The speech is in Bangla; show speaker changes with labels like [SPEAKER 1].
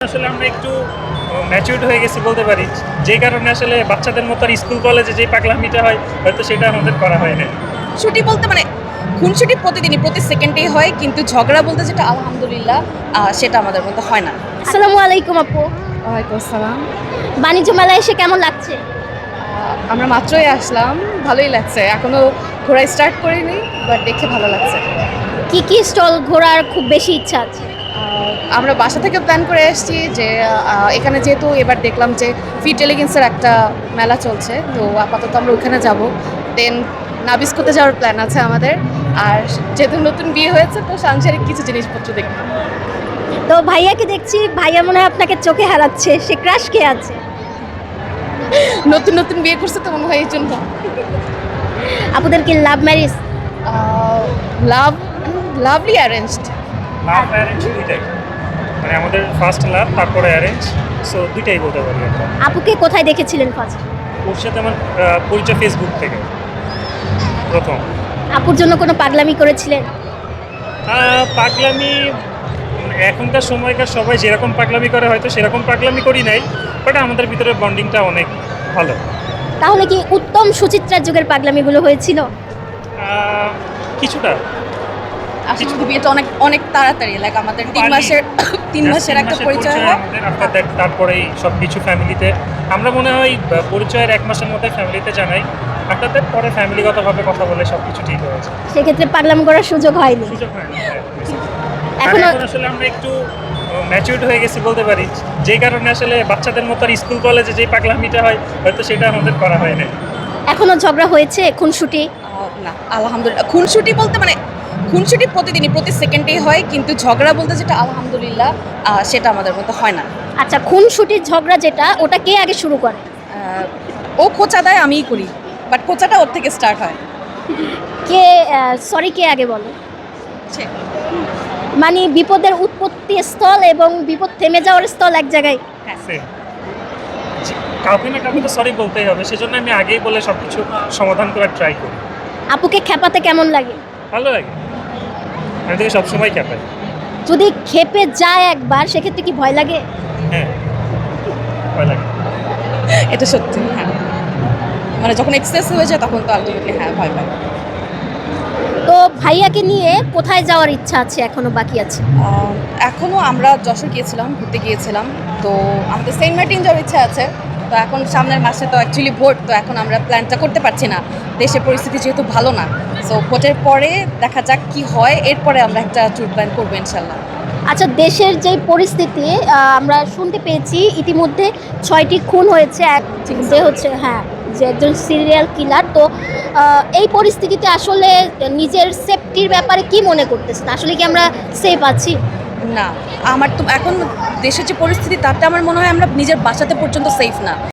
[SPEAKER 1] আসলে আমরা একটু ম্যাচিউরড হয়ে গেছি বলতে পারি, যে কারণে আসলে বাচ্চাদের মতো আর স্কুল কলেজে যে পাগলামিটা হয় হয়তো সেটা আমাদের করা হয় না।
[SPEAKER 2] ছুটি বলতে খুনসুটি প্রতিদিনই প্রতি সেকেন্ডেই হয়, কিন্তু ঝগড়া বলতে যেটা আলহামদুলিল্লাহ সেটা আমাদের মধ্যে হয় না।
[SPEAKER 3] আসসালামু আলাইকুম আপু।
[SPEAKER 2] ওয়ালাইকুম আসসালাম।
[SPEAKER 3] বাণিজ্য মেলায় এসে কেমন লাগছে?
[SPEAKER 2] আমরা মাত্রই আসলাম, ভালোই লাগছে। এখনো ঘোরা স্টার্ট করিনি, বাট দেখে ভালো লাগছে।
[SPEAKER 3] কি কি স্টল ঘোরার খুব বেশি ইচ্ছা আছে?
[SPEAKER 2] আমরা বাসা থেকে প্ল্যান করে এসেছি যে এখানে যেহেতু এবার দেখলাম যে ফিট এলিগেন্সের একটা মেলা চলছে, তো আপাতত আমরা ওখানে যাব। দেন নাবিস্কোতে যাওয়ার প্ল্যান আছে আমাদের। আর যেহেতু নতুন বিয়ে হয়েছে, তো সাংসারিক কিছু জিনিসপত্র দেখব।
[SPEAKER 3] তো ভাইয়াকে দেখছি, ভাইয়া মনে হয় আপনাকে চোখে হারাচ্ছে। সে ক্রাশ কে আছে?
[SPEAKER 2] নতুন নতুন বিয়ে করছে তো মনে হয় এই জন্য।
[SPEAKER 3] আপুদের কি লাভ ম্যারেজ?
[SPEAKER 2] লাভলি অ্যারেঞ্জড।
[SPEAKER 1] লাভ অ্যারেঞ্জ দুইটাই, মানে আমাদের ফার্স্ট লাভ তারপরে অ্যারেঞ্জ, সো দুইটাই বলতে পারি আমরা।
[SPEAKER 3] আপুকে কোথায় দেখেছিলেন ফার্স্ট?
[SPEAKER 1] ওর সাথে আমার পরিচয় ফেসবুক থেকে প্রথম।
[SPEAKER 3] আপুর জন্য কোনো পাগলামি করেছিলেন?
[SPEAKER 1] পাগলামি এখনকার সময়কার সবাই যেরকম পাগলামি করে হয়তো সেরকম পাগলামি করি নাই, বাট আমাদের ভিতরে বন্ডিংটা অনেক ভালো।
[SPEAKER 3] তাহলে কি উত্তম সুচিত্রার যুগের পাগলামিগুলো হয়েছিল?
[SPEAKER 1] কিছুটা
[SPEAKER 2] আসলে বিয়েটা অনেক অনেক তাড়াতাড়ি, লাইক আমাদের তিন মাসের একটা পরিচয় হয়।
[SPEAKER 1] আমাদের আফটার দ্যাট তারপরেই সব কিছু ফ্যামিলিতে আমরা মনে হয় পরিচয়ের 1 মাসের মধ্যে ফ্যামিলিতে জানাই, আফটার দ্যাট পরে ফ্যামিলিগতভাবে কথা বলে সব কিছু ঠিক হয়েছে।
[SPEAKER 3] সেক্ষেত্রে পাগলামি করার সুযোগ হয়নি।
[SPEAKER 1] সুযোগ হয়নি।
[SPEAKER 3] এখনো
[SPEAKER 1] এখন আসলে আমরা একটু ম্যাচিউরড হয়ে গেছি বলতে পারি, যে কারণে আসলে বাচ্চাদের মতো আর স্কুল কলেজে যে পাগলামিটা হয় হয়তো সেটা আমাদের করা হয় না।
[SPEAKER 3] এখনো ঝগড়া হয়েছে? খুনসুটি?
[SPEAKER 2] না, আলহামদুলিল্লাহ। খুনসুটি প্রতিদিনই প্রতি সেকেন্ডেই হয়, কিন্তু ঝগড়া বলতে যেটা আলহামদুলিল্লাহ সেটা আমাদের মধ্যে হয় না।
[SPEAKER 3] আচ্ছা, খুনসুটির ঝগড়া যেটা, ওটা কে আগে শুরু করে?
[SPEAKER 2] ও খোঁচা দেয়, আমিই করি, বাট খোঁচাটা ওর থেকে স্টার্ট হয়।
[SPEAKER 3] কে সরি কে আগে বলে?
[SPEAKER 2] সে
[SPEAKER 3] মানে বিপদের উৎপত্তি স্থল এবং বিপদ থেমে যাওয়ার স্থল এক জায়গায়।
[SPEAKER 1] Same. কাউকে না কাউকে তো সরি বলতেই হবে, সেজন্য আমি আগেই বলে সব কিছু সমাধান করার ট্রাই করি।
[SPEAKER 3] আপুকে খেপাতে কেমন লাগে?
[SPEAKER 1] ভালো লাগে, আমি তোকে সবসময় ক্যাপাই।
[SPEAKER 3] যদি খেপে যায় একবার, সেক্ষেত্রে কি ভয় লাগে?
[SPEAKER 1] হ্যাঁ, ভয় লাগে।
[SPEAKER 2] এটা সত্যি, হ্যাঁ। মানে যখন এক্সেস হয়ে যায় তখন তো আলটিমেটলি হ্যাঁ ভয় পাই।
[SPEAKER 3] তো ভাইয়াকে নিয়ে কোথায় যাওয়ার ইচ্ছা আছে, এখনো বাকি আছে?
[SPEAKER 2] এখনও আমরা যশোর গিয়েছিলাম, ঘুরতে গিয়েছিলাম, তো আমাদের সেন্ট মার্টিন যাওয়ার ইচ্ছা আছে। তো এখন সামনের মাসে তো অ্যাকচুয়ালি ভোট, তো এখন আমরা প্ল্যানটা করতে পারছি না, দেশের পরিস্থিতি যেহেতু ভালো না। সো ভোটের পরে দেখা যাক কি হয়, এরপরে আমরা একটা ট্যুর প্ল্যান করবো ইনশাল্লাহ।
[SPEAKER 3] আচ্ছা, দেশের যেই পরিস্থিতি, আমরা শুনতে পেয়েছি ইতিমধ্যে 6টি খুন হয়েছে, যে হচ্ছে যে একজন সিরিয়াল কিলার। তো এই পরিস্থিতিতে আসলে নিজের সেফটির ব্যাপারে কি মনে করতেছেন? আসলে কি আমরা সেফ আছি?
[SPEAKER 2] না, আমার তো এখন দেশের যে পরিস্থিতি তাতে আমার মনে হয় আমরা নিজের বাসাতে পর্যন্ত সেফ না।